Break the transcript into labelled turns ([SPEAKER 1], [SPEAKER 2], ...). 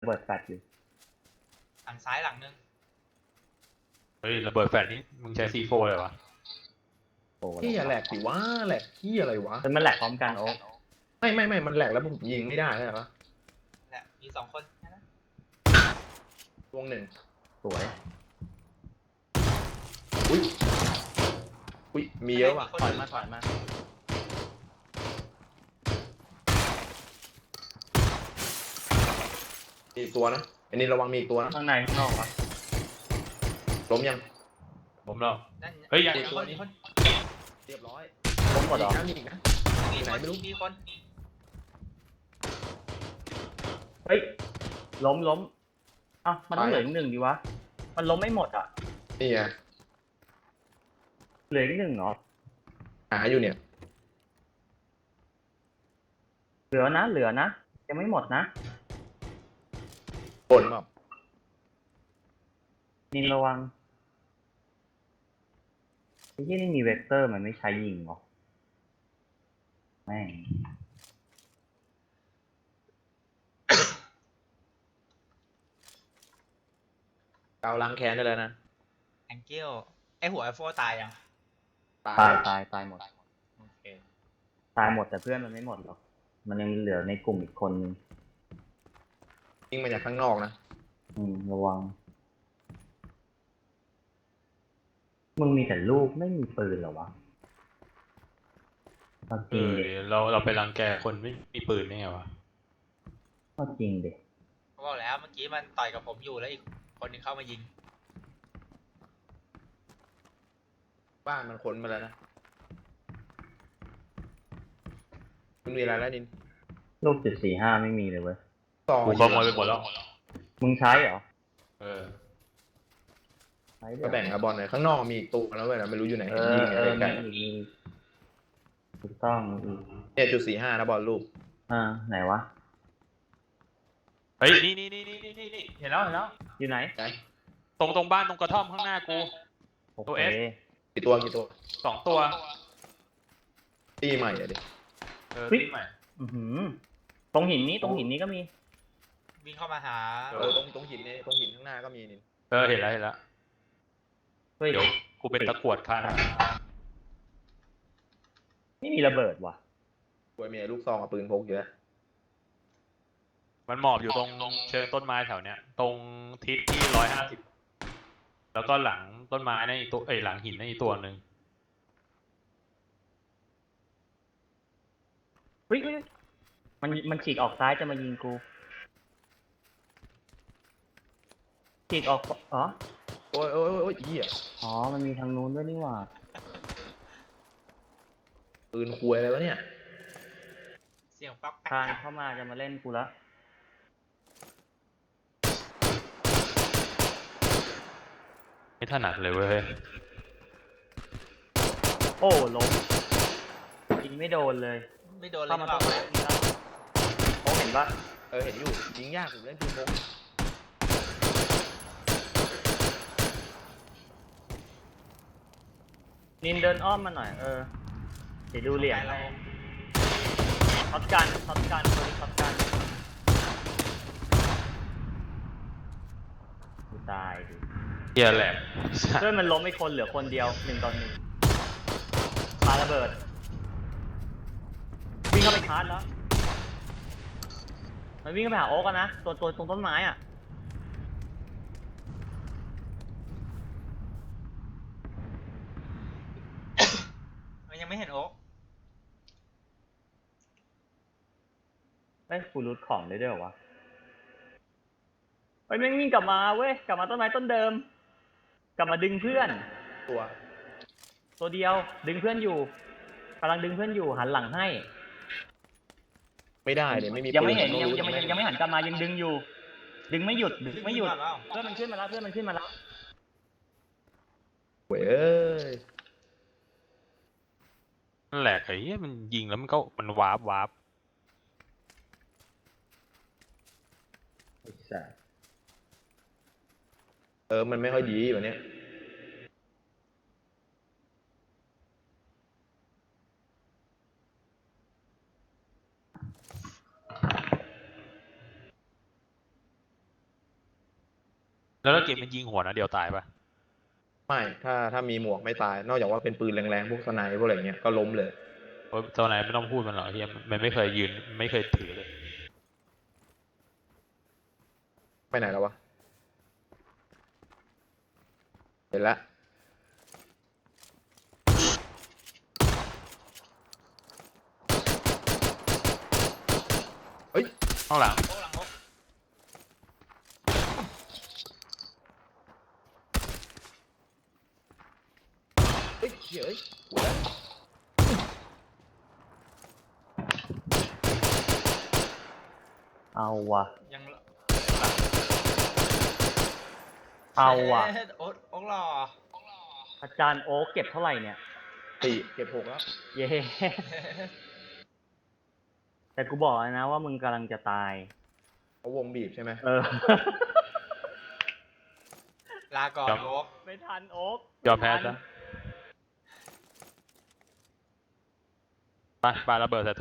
[SPEAKER 1] เปิดแฟลชอยู่
[SPEAKER 2] หลังซ้ายหลังนึง
[SPEAKER 3] เฮ้ยระเบิดแฟลชนี่มึงใช้ซีโฟเลยวะ
[SPEAKER 1] โอ้
[SPEAKER 4] ที่อย่าแหลกสิวะแหลกที่อะไรวะ
[SPEAKER 1] มันแหลกพร้อมกันโอ๊ค
[SPEAKER 4] ไม่มันแหลกแล้วผมยิงไม่ได้ใช่ไหม
[SPEAKER 2] แหละมี2 คนนะ
[SPEAKER 4] วงหนึ่ง
[SPEAKER 1] สวย
[SPEAKER 4] อุ้ยมีเยอะว่ะ
[SPEAKER 1] ถอยมาถอยมา
[SPEAKER 4] มีอีกตัวนะอันนี้ระวังมีอีกตัวนะ
[SPEAKER 1] ข้างในข้างนอกวะ
[SPEAKER 4] ล้มยัง
[SPEAKER 3] ผมแล้ว
[SPEAKER 2] นั่น
[SPEAKER 3] เฮ้ยยัง
[SPEAKER 2] มีคนมีคน
[SPEAKER 4] เรียบร้อย
[SPEAKER 1] ล้มหมดเหรอ
[SPEAKER 4] มีอีกนะ
[SPEAKER 2] มี
[SPEAKER 4] ไห
[SPEAKER 2] คน
[SPEAKER 4] ไม่รู้
[SPEAKER 2] มีคน
[SPEAKER 1] เฮ้ยล้มอ้าวมันต้องเหลืออีกหนึ่งดีวะมันล้มไม่หมดอ่ะ
[SPEAKER 4] นี่ไง
[SPEAKER 1] เหลืออีกหนึ่งเหรอ
[SPEAKER 4] หาอยู่เนี่ย
[SPEAKER 1] เหลือนะยังไม่หมดนะ
[SPEAKER 4] บนแบบ
[SPEAKER 1] นินระวังไอ้ที่นี่มีเวกเตอร์มันไม่ใช้ยิงเหรอแม่ง
[SPEAKER 4] เกาล้างแค้นได้เลยนะ
[SPEAKER 2] แองเกิลไอหัวไอโฟตายยัง
[SPEAKER 1] ตายหมด
[SPEAKER 2] โอเค
[SPEAKER 1] ตายหมดแต่เพื่อนมันไม่หมดหรอกมันยังเหลือในกลุ่มอีกคนนึง
[SPEAKER 4] ยิงมาจากข้างนอกนะ
[SPEAKER 1] ระวังมึงมีแต่ลูกไม่มีปืนเหรอวะเอาจ
[SPEAKER 3] เอ
[SPEAKER 1] ริง
[SPEAKER 3] อ
[SPEAKER 1] ดิ
[SPEAKER 3] เราไปรังแกคนไม่มีปืนได้ไงวะ
[SPEAKER 1] เอาจริงดิ
[SPEAKER 2] เขาบอกแล้วเมื่อกี้มันต่อยกับผมอยู่แล้วอีกคนนึงเข้ามายิง
[SPEAKER 4] บ้านมันขนมาแล้วนะคุณมีอะไรแล้วนิน
[SPEAKER 1] ลูก.45ไม่มีเลยเว้ย
[SPEAKER 4] ซอง
[SPEAKER 3] กูขโมยไปหมดแล้ว
[SPEAKER 1] มึงใช้เหรอ
[SPEAKER 3] เออ
[SPEAKER 1] ใช้
[SPEAKER 4] ก็แบ่งกับบอลหน่อยข้างนอกมีอีกตัวแล้วเว้ยนะไม่รู้อยู่ไหน
[SPEAKER 1] เอ
[SPEAKER 4] เห็น
[SPEAKER 1] อ
[SPEAKER 4] ยิงอะไรไกล
[SPEAKER 1] มีถูกต้องอีก
[SPEAKER 4] เนี่ย.45นะบอลลูก
[SPEAKER 1] ไหนวะ
[SPEAKER 3] เฮ้ยนี่เห็นแล้ว
[SPEAKER 1] อยู่ไหน
[SPEAKER 4] ไหน
[SPEAKER 3] ตรงบ้านตรงกระท่อมข้างหน้ากู
[SPEAKER 1] โอ
[SPEAKER 3] ตัว
[SPEAKER 1] เค
[SPEAKER 3] S
[SPEAKER 4] กี่ตัว
[SPEAKER 3] 2 ตัว
[SPEAKER 4] ตีใหม่อะดิ
[SPEAKER 3] ที่ใหม่
[SPEAKER 1] ตรงหินนี้ก็มี
[SPEAKER 2] วิ่งเข้ามาหา
[SPEAKER 4] ตรงหินเนี่ยตรงหินข้างหน้าก็มีนิน
[SPEAKER 3] เห็นแล้ว
[SPEAKER 1] เฮ้ย
[SPEAKER 3] เดี๋ยวกูเป็นตะกรวดค่ะ
[SPEAKER 1] ไม่มีระเบิดว่ะ
[SPEAKER 4] กวยเมียลูกซองกับปืนพกอยู่แล้ว
[SPEAKER 3] มันหมอบอยู่ตรงเชิงต้นไม้แถวเนี้ยตรงทิศที่150แล้วก็หลังต้นไม้นั่นอีกตัวหลังหินนั่นอีกตัวหนึ่ง
[SPEAKER 1] เฮ้ยมันฉีกออกซ้ายจะมายิงกู ฉีกออก อ๋อ
[SPEAKER 4] โอ้ยเหี้ย
[SPEAKER 1] อ๋อ มันมีทางนู้นด้วยนี่หว่า
[SPEAKER 4] ปืนควยอะไรวะเนี่ย
[SPEAKER 2] เสียงป๊อก
[SPEAKER 1] ทางเข้ามาจะมาเล่นกูละ
[SPEAKER 3] ไม่ถนัดเลยเว้ย
[SPEAKER 1] โอ้ล้มยิงไม่โดนเลย
[SPEAKER 2] ไม่โดนเลย
[SPEAKER 1] เข้ามา
[SPEAKER 2] เป
[SPEAKER 1] ต้
[SPEAKER 2] ล่า
[SPEAKER 1] องเล่นนี่แล้วโอ้เห็นปะ
[SPEAKER 4] เห็นอยู่ยิงยากผมเล่นปืนพก
[SPEAKER 1] นินเดินอ้อมมาหน่อย เดี๋ยวดูเหลี่ยมให้ช็อตกันตัวนี้ช็อตกันกูตายดิ
[SPEAKER 3] เฮียแหลก
[SPEAKER 1] เพื่อนมันล้มไม่คนเหลือคนเดียว1 ต่อ 1ปาระเบิด วิ่งเข้าไปชาร์จแล้ว มันวิ่งเข้าไปหาโอ๊กอะนะตัวตรงต้นไม้อ่ะ
[SPEAKER 2] มันยังไม่เห็นโอ๊ก
[SPEAKER 1] ได้ฟูรูทของได้ด้วยเหรอวะเฮ้ยแม่งวิ่งกลับมาเว้ย กลับมาต้นไม้ต้นเดิม กลับมาดึงเพื่อน ตัวเดียวดึงเพื่อนอยู่กำลังดึงเพื่อนอยู่หันหลังให้
[SPEAKER 4] ไม่ได้เนี่ยไม่มี
[SPEAKER 1] ยังไม่เห็น
[SPEAKER 4] ปื
[SPEAKER 1] ยังไม่หันกลับมายังดึงอยู่ ดึงไม่หยุด
[SPEAKER 2] เพื่อน
[SPEAKER 1] เพื่อนมันขึ้นมาแล้ว
[SPEAKER 4] เว้ยเอ้ย
[SPEAKER 3] นั่นแหละไอ้เหี้ยมันยิงแล้วมันวาร์ป
[SPEAKER 4] มันไม่ค่อยดีแบบเนี้ย
[SPEAKER 3] แล้วถ้าเกมมันยิงหัวนะเดียวตายปะ
[SPEAKER 4] ไม่ถ้ามีหมวกไม่ตาย นอกจากว่าเป็นปืนแรงๆพวกสไนป์พวกอะไรเงี้ยก็ล้มเลย
[SPEAKER 3] เพราะตอนไหนไม่ต้องพูดมันหรอกเฮียมันไม่เคยยืนไม่เคยถือเลย
[SPEAKER 4] ไปไหนแล้ววะเห็นละเฮ้ย
[SPEAKER 3] ข้างหลัง
[SPEAKER 2] โอ้หลังพก
[SPEAKER 4] เฮ้ยเฮ้ยหัวแล้ว
[SPEAKER 1] เอาวะ
[SPEAKER 2] ยัง
[SPEAKER 1] เอาวะ
[SPEAKER 2] เช็ดโอ๊ตโอ๊กหล่อ
[SPEAKER 1] อาจารย์โอ๊คเก็บเท่าไหร่เนี่ย
[SPEAKER 4] สี่เก็บหกแล้ว
[SPEAKER 1] เย้ แต่กูบอกแล้วนะว่ามึงกำลังจะตาย
[SPEAKER 4] เขาวงบีบใช่ไหม
[SPEAKER 1] เออ
[SPEAKER 2] ลาก่อนโอ๊ก
[SPEAKER 1] ไม่ทันโอ๊ค
[SPEAKER 3] ยอมแพ้ซะไปปาระเบิดใส่